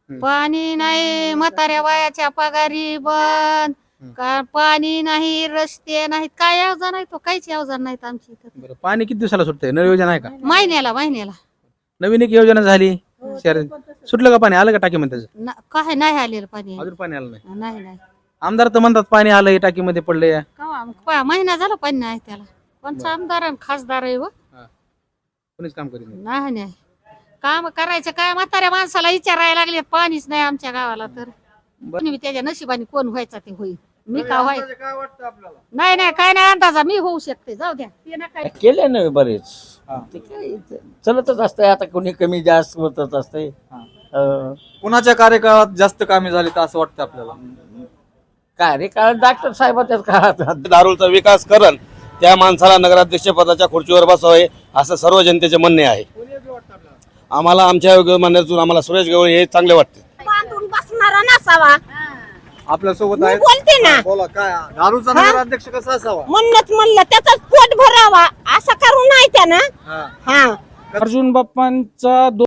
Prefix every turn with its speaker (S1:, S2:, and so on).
S1: पाणी नाही, म्हाताऱ्या बायाच्या पगारी बंद, का पाणी नाही, रस्ते नाहीत, काय योजना नाही तो, काहीच योजना नाहीत आमची इथं.
S2: बरं, पाणी किती दिवसाला सुटतंय? नळ योजना आहे का?
S1: महिन्याला
S2: नवीन एक योजना झाली शहर सुटलं का? पाणी आलं का टाकीमध्ये त्याचं?
S1: काय नाही आलेलं पाणी.
S2: अजून पाणी आलं नाही.
S1: नाही
S2: आमदार तर म्हणतात पाणी आलंय टाकीमध्ये पडलंय.
S1: महिना झाला पाणी नाही त्याला. कोणचा आमदार आणि खासदार आहे व?
S2: कोणीच काम करीत नाही.
S1: नाही काम करायचं काय, म्हाताऱ्या माणसाला विचारायला लागले, पाणीच नाही आमच्या गावाला. तर कोणी त्याच्या नशिबाने कोण व्हायचा ते होईल, मी का व्हायचं
S3: काय वाटतं आपल्याला?
S1: नाही काय नाही अंदाजा, मी होऊ शकते, जाऊ द्या ते नका.
S4: केले ना बरेच, ते काय चलतच असतंय, आता कोणी कमी जास्त होतच असतंय.
S3: कुणाच्या कार्यकाळात जास्त कामे झाली तर असं वाटतं आपल्याला?
S4: कार्यकाळ डॉक्टर साहेबाच्याच काळात.
S5: दारुलचा विकास करण, त्या माणसाला नगराध्यक्ष पदाच्या खुर्चीवर बसावे असं सर्व जनतेचे म्हणणे आहे. आम्हाला आमच्या म्हणण्यातून आम्हाला सुरेश गवळी हे चांगले वाटते.
S6: बांधून बसणारा नसावा.
S3: आपल्या सोबत
S6: मी
S3: आहे,
S6: बोलते ना,
S3: बोला. काय दारूचा नगराध्यक्ष कसा असावा?
S6: म्हणलं त्याचाच पोट भरावा असं करू नाही त्यानं.
S3: हा.
S6: हा
S7: अर्जुन बाप्पांचा